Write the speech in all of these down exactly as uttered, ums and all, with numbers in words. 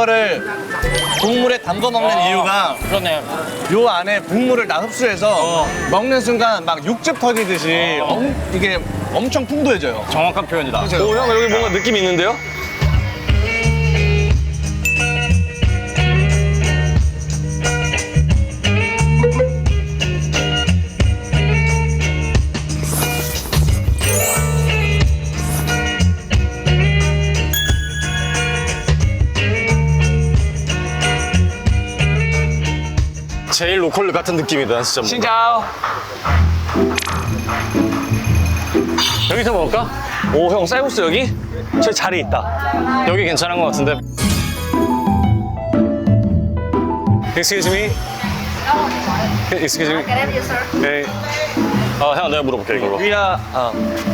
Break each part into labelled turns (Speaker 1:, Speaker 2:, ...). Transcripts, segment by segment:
Speaker 1: 이거를 국물에 담궈 먹는
Speaker 2: 어.
Speaker 1: 이유가
Speaker 2: 그러네.
Speaker 1: 요 안에 국물을 다 흡수해서
Speaker 2: 어.
Speaker 1: 먹는 순간 막 육즙 터지듯이
Speaker 2: 어.
Speaker 1: 엄, 이게 엄청 풍부해져요.
Speaker 2: 정확한 표현이다.
Speaker 1: 그죠?
Speaker 3: 오, 형 여기 뭔가 느낌 있는데요? 제일 로컬 같은 느낌이다, 진짜. 뭔가.
Speaker 2: 신짜오.
Speaker 3: 여기서 먹을까? 오, 형 쌀국수 여기? 저 자리 있다.
Speaker 2: 여기 괜찮은 것 같은데.
Speaker 3: Excuse me? Excuse me?
Speaker 4: Can I have you, sir?
Speaker 3: 네. 아, 형 내가 물어볼게, 이걸로.
Speaker 1: 위아 어.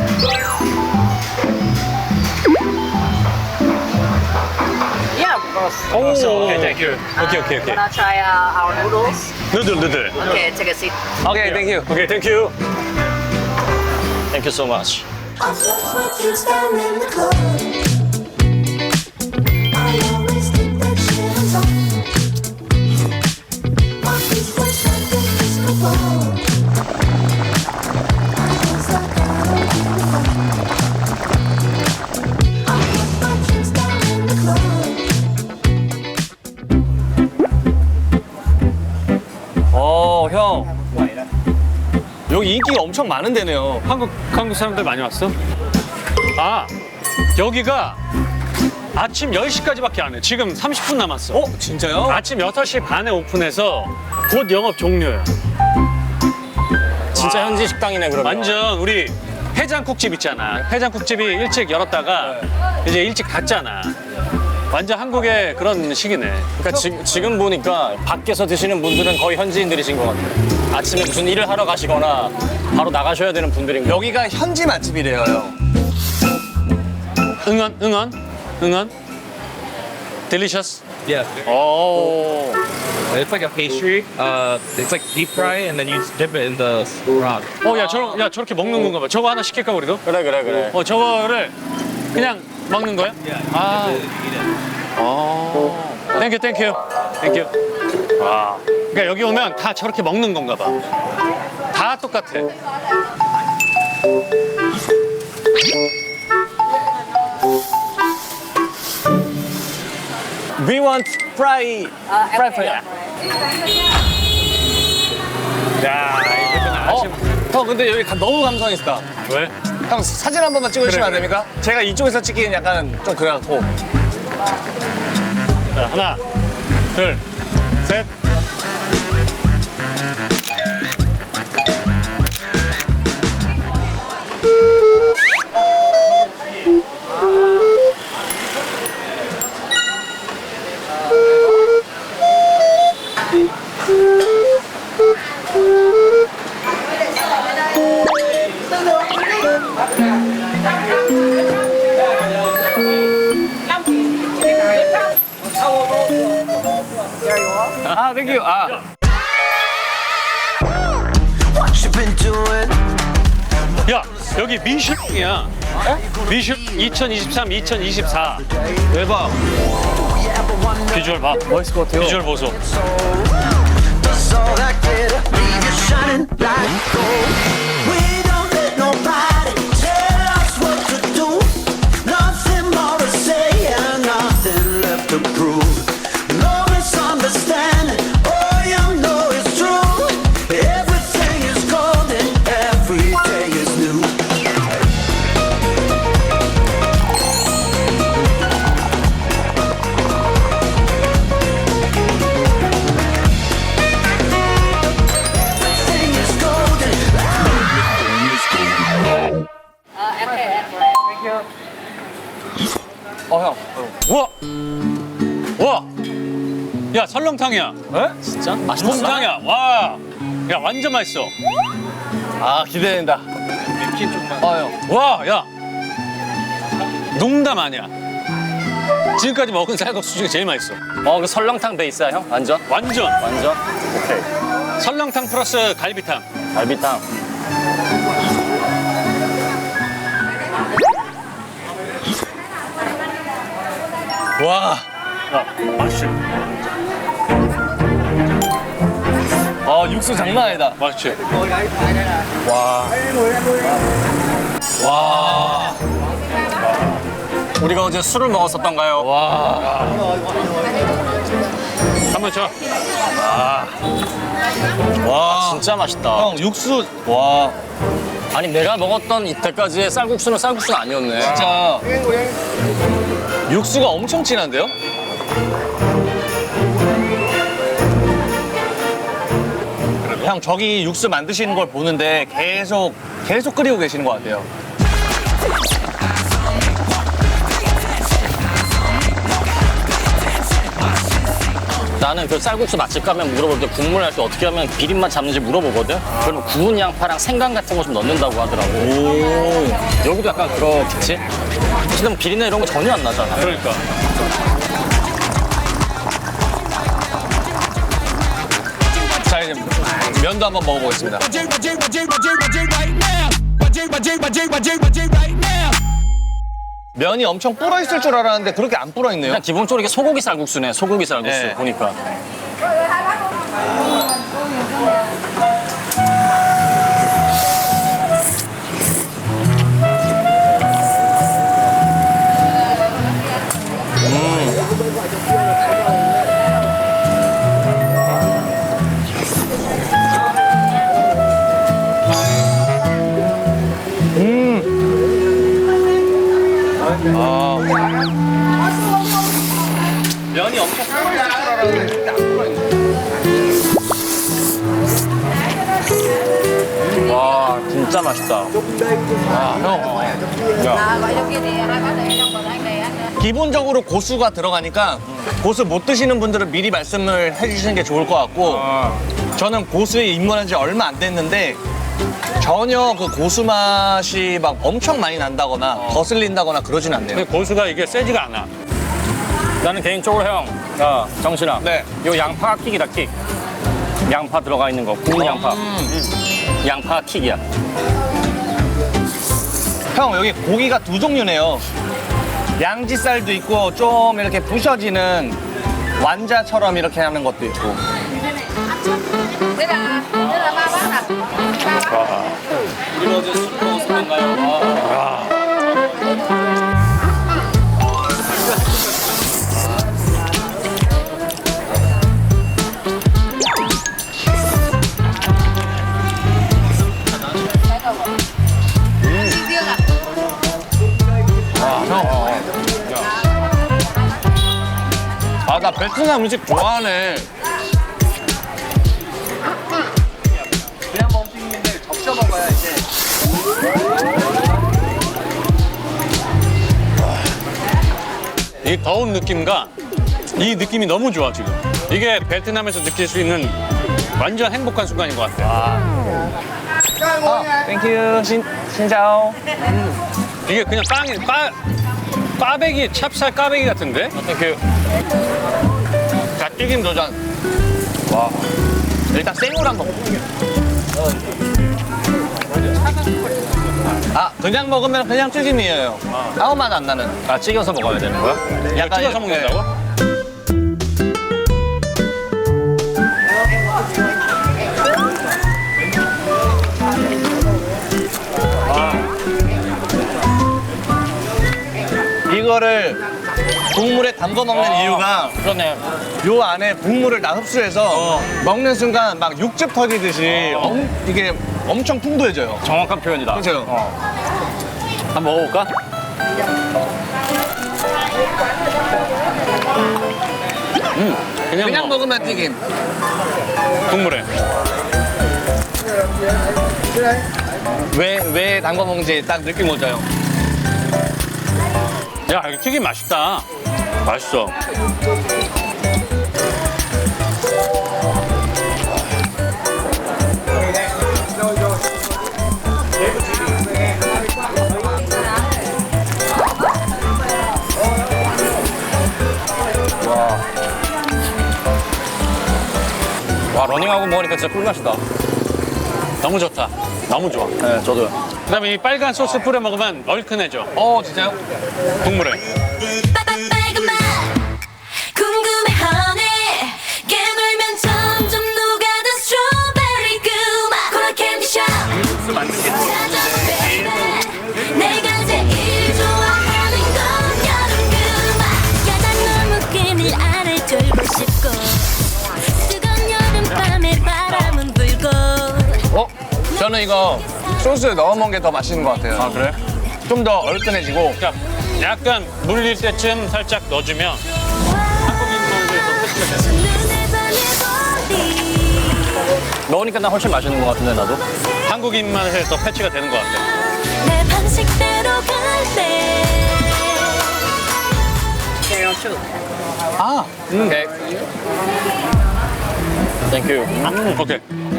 Speaker 4: Yeah, of course.
Speaker 3: 오, 오케이, 땡큐. 오케이, 오케이, 오케이.
Speaker 4: Wanna try uh, our noodles?
Speaker 3: 누들, 누들.
Speaker 4: Okay, take a seat.
Speaker 3: 오케이, 땡큐. 오케이, 땡큐. 땡큐 so much.
Speaker 5: I just want you down in the club. I always think that shit is on. My feet were stuck in disco ball. I was like, I don't give a fuck. I want my drinks down in the club.
Speaker 1: 어, 형. 여기 인기가 엄청 많은 데네요.
Speaker 2: 한국 한국 사람들 많이 왔어? 아 여기가 아침 열 시까지밖에 안 해. 지금 삼십 분 남았어.
Speaker 1: 어, 진짜요?
Speaker 2: 아침 여섯 시 반에 오픈해서 곧 영업 종료야.
Speaker 3: 진짜 현지 식당이네, 그러면.
Speaker 2: 완전 우리 해장국집 있잖아. 해장국집이 일찍 열었다가 이제 일찍 닫잖아. 완전 한국의 그런 시기네.
Speaker 3: 그러니까 지, 지금 보니까 밖에서 드시는 분들은 거의 현지인들이신 것 같아요. 아침에 무슨 일을 하러 가시거나 바로 나가셔야 되는 분들인 거.
Speaker 1: 여기가 현지 맛집이래요, 형.
Speaker 2: 응원, 응원, 응원. Delicious.
Speaker 6: Yeah,
Speaker 2: 오.
Speaker 6: it's like a pastry. Uh, it's like deep fry, and then you dip it in the broth.
Speaker 2: 어, 야, 저러, 야, 저렇게 먹는 건가 봐. 저거 하나 시킬까, 우리도?
Speaker 3: 그래, 그래, 그래.
Speaker 2: 어, 저거를 그냥 먹는 거야? 아. 어. 땡큐, 땡큐. 땡큐. 와. 그러니까 여기 오면 다 저렇게 먹는 건가 봐. 다 똑같아.
Speaker 3: We want fry.
Speaker 4: Uh,
Speaker 3: fry,
Speaker 4: okay,
Speaker 3: fry.
Speaker 2: 야, 이거
Speaker 1: 어?
Speaker 2: 아침.
Speaker 1: 형, 근데 여기 가- 너무 감성 있다.
Speaker 2: 왜?
Speaker 1: 형, 사진 한 번만 찍어주시면
Speaker 2: 그래,
Speaker 1: 안 됩니까? 제가 이쪽에서 찍기는 약간 좀 그래갖고.
Speaker 2: 자, 하나, 둘, 셋.
Speaker 1: 아, 땡큐. 아.
Speaker 5: What you been doing?
Speaker 2: 야, 여기 미슐랭이야. 미슐 이천이십삼, 이천이십사.
Speaker 1: 대박.
Speaker 2: 비주얼 봐.
Speaker 1: 멋있을 것 같아요.
Speaker 2: 비주얼 보소.
Speaker 5: Does all that glitter leave you shining like gold? We don't let nobody tell us what to do. Nothing more to say and nothing left to prove. No misunderstanding, all you know is true. Everything is golden, every day is new. Everything is golden.
Speaker 4: Uh, okay, thank you.
Speaker 1: 어, 형.
Speaker 2: 우와! 우와! 야, 설렁탕이야.
Speaker 1: 에? 진짜? 맛있어?
Speaker 2: 곰탕이야. 와! 야, 완전 맛있어.
Speaker 1: 아, 기대된다. 어, 형.
Speaker 2: 와, 야! 농담 아니야. 지금까지 먹은 쌀국수 중에 제일 맛있어.
Speaker 3: 어, 그 설렁탕 베이스야, 형? 완전?
Speaker 2: 완전.
Speaker 3: 완전? 오케이.
Speaker 2: 설렁탕 플러스 갈비탕.
Speaker 3: 갈비탕.
Speaker 1: 와.
Speaker 2: 맛있지?
Speaker 1: 아 육수 장난 아니다.
Speaker 2: 맛있지?
Speaker 3: 우리가 어제 술을 먹었었던가요?
Speaker 2: 한번 쳐.
Speaker 3: 와 진짜 맛있다.
Speaker 1: 형 육수 와
Speaker 3: 아니 내가 먹었던 이때까지의 쌀국수는 쌀국수는 아니었네.
Speaker 1: 진짜 육수가 엄청 진한데요? 형 저기 육수 만드시는 걸 보는데 계속 계속 끓이고 계시는 것 같아요.
Speaker 3: 나는 그 쌀국수 맛집 가면 물어볼 때 국물 할 때 어떻게 하면 비린맛 잡는지 물어보거든? 그러면 구운 양파랑 생강 같은 거 좀 넣는다고 하더라고.
Speaker 1: 오.
Speaker 3: 여기도 약간 그렇겠지? 지금 비린내 이런 거 전혀 안 나잖아.
Speaker 2: 그러니까.
Speaker 1: 자 이제 면도 한번 먹어보겠습니다. 면이 엄청 불어 있을 줄 알았는데 그렇게 안 불어 있네요.
Speaker 3: 그냥 기본적으로 이게 소고기 쌀국수네. 소고기 쌀국수
Speaker 1: 네.
Speaker 3: 보니까.
Speaker 1: 면이 엄청 불어 있을 줄 알았는데 그렇게 안 불어 있네.
Speaker 3: 와 진짜 맛있다.
Speaker 1: 아, 형.
Speaker 4: À, gọi trong kia thì hai bác để trong còn anh này ăn.
Speaker 1: 기본적으로 고수가 들어가니까 고수 못 드시는 분들은 미리 말씀을 해주시는 게 좋을 것 같고 저는 고수에 입문한 지 얼마 안 됐는데 전혀 그 고수 맛이 막 엄청 많이 난다거나 거슬린다거나 그러진 않네요.
Speaker 2: 근데 고수가 이게 세지가 않아.
Speaker 3: 나는 개인적으로 형, 야, 정신아.
Speaker 1: 네.
Speaker 3: 요 양파가 킥이다, 킥. 양파 들어가 있는 거, 구운 양파. 음. 양파 킥이야.
Speaker 1: 형 여기 고기가 두 종류네요. 양지살도 있고 좀 이렇게 부셔지는 완자처럼 이렇게 하는 것도 있고.
Speaker 4: Thế là, thế là ba bác à? Ba bác.
Speaker 3: 우리 어제 술 먹었었는가요?
Speaker 4: Riêng à?
Speaker 1: 아 나 베트남 음식 좋아하네. 그냥 먹는데 적셔 먹어야 이제.
Speaker 2: 이 더운 느낌과 이 느낌이 너무 좋아 지금. 이게 베트남에서 느낄 수 있는 완전 행복한 순간인 것 같아.
Speaker 1: 땡큐 신 신자오.
Speaker 2: 이게 그냥 빵이 까 꽈배기 찹쌀 꽈배기 같은데?
Speaker 1: 땡큐. 자 튀김 도전. 와. 일단 생으로 한번 먹을게요. 아 그냥 먹으면 그냥 튀김이에요. 아무 맛 안 나는.
Speaker 3: 아, 찍어서 먹어야 되는 거야?
Speaker 2: 이거 찍어서 먹는다고?
Speaker 1: 이거를 국물에 담궈 먹는 이유가
Speaker 3: 그러네.
Speaker 1: 요 안에 국물을 다 흡수해서 먹는 순간 막 육즙 터지듯이 엄, 이게 엄청 풍부해져요.
Speaker 3: 정확한 표현이다.
Speaker 1: 그렇죠?
Speaker 3: 한번 먹어볼까?
Speaker 2: 그냥,
Speaker 1: 그냥
Speaker 2: 먹어.
Speaker 1: 먹으면 튀김.
Speaker 2: 국물에.
Speaker 1: 왜, 왜 담궈 먹는지 딱 느낌 오죠?
Speaker 2: 야, 이거 튀김 맛있다. 맛있어.
Speaker 3: 와, 러닝하고 먹으니까 진짜 꿀맛이다.
Speaker 2: 너무 좋다. 너무 좋아.
Speaker 3: 네, 저도요.
Speaker 2: 그다음에 이 빨간 소스 뿌려 먹으면 얼큰해져.
Speaker 1: 어, 진짜요?
Speaker 2: 국물에.
Speaker 7: 빨간 맛 그
Speaker 1: 저는 이거 소스에 넣어 먹는 게 더 맛있는 것 같아요.
Speaker 2: 아 그래?
Speaker 1: 좀 더 얼큰해지고.
Speaker 2: 그러니까 약간 물릴 때쯤 살짝 넣어주면 한국인 맛에서
Speaker 3: 넣으니까 나 훨씬 맛있는 것 같은데 나도.
Speaker 2: 한국인 맛에 더 패치가 되는 것 같아.
Speaker 7: 내 방식대로 갈래
Speaker 1: 아,
Speaker 3: 음. 오케이. 땡큐.
Speaker 2: 음, 오케이.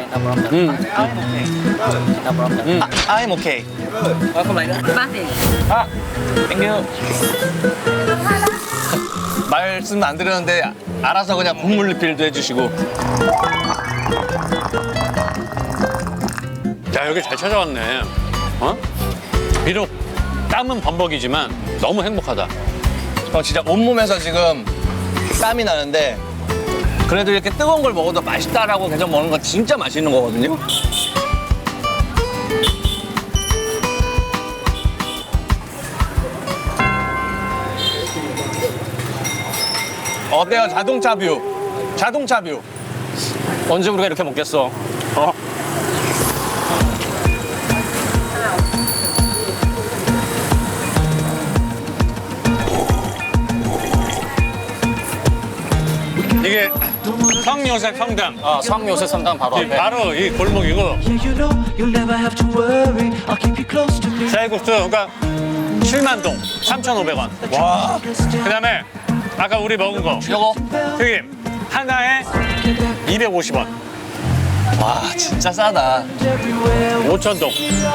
Speaker 1: 아, I'm okay. 아, 땡큐. 말씀 안 드렸는데 알아서 그냥 국물 리필도 해주시고.
Speaker 2: 야 여기 잘 찾아왔네. 어? 비록 땀은 범벅이지만 너무 행복하다.
Speaker 1: 어, 진짜 온몸에서 지금 땀이 나는데 그래도 이렇게 뜨거운 걸 먹어도 맛있다라고 계속 먹는 건 진짜 맛있는 거거든요. 어때요? 자동차 뷰. 자동차 뷰.
Speaker 3: 언제 우리가 이렇게 먹겠어? 어?
Speaker 2: 이게 성요셉 성당.
Speaker 3: 아, 성요셉 성당 바로
Speaker 2: 이
Speaker 3: 앞에.
Speaker 2: 바로 이 골목이고
Speaker 5: Yeah, you know you'll never have to worry. I'll keep you close to me.
Speaker 2: 쌀국수 그러니까 칠만동 삼천오백 원.
Speaker 1: 와.
Speaker 2: 그다음에 아까 우리 먹은 거
Speaker 3: 요거
Speaker 2: 튀김 하나에 이백오십 원.
Speaker 1: 와, 진짜 싸다.
Speaker 2: 오천동.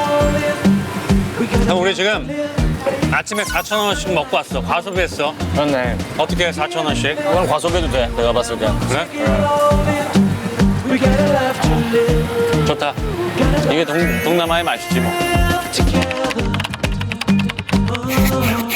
Speaker 2: 그럼 우리 지금 아침에 사천 원씩 먹고 왔어. 과소비했어.
Speaker 3: 그렇네.
Speaker 2: 어떻게 사천 원씩?
Speaker 3: 이건 과소비도 돼. 내가 봤을 때.
Speaker 2: 그래? 좋다. 이게 동, 동남아의 맛이지 뭐.
Speaker 5: Together. Oh.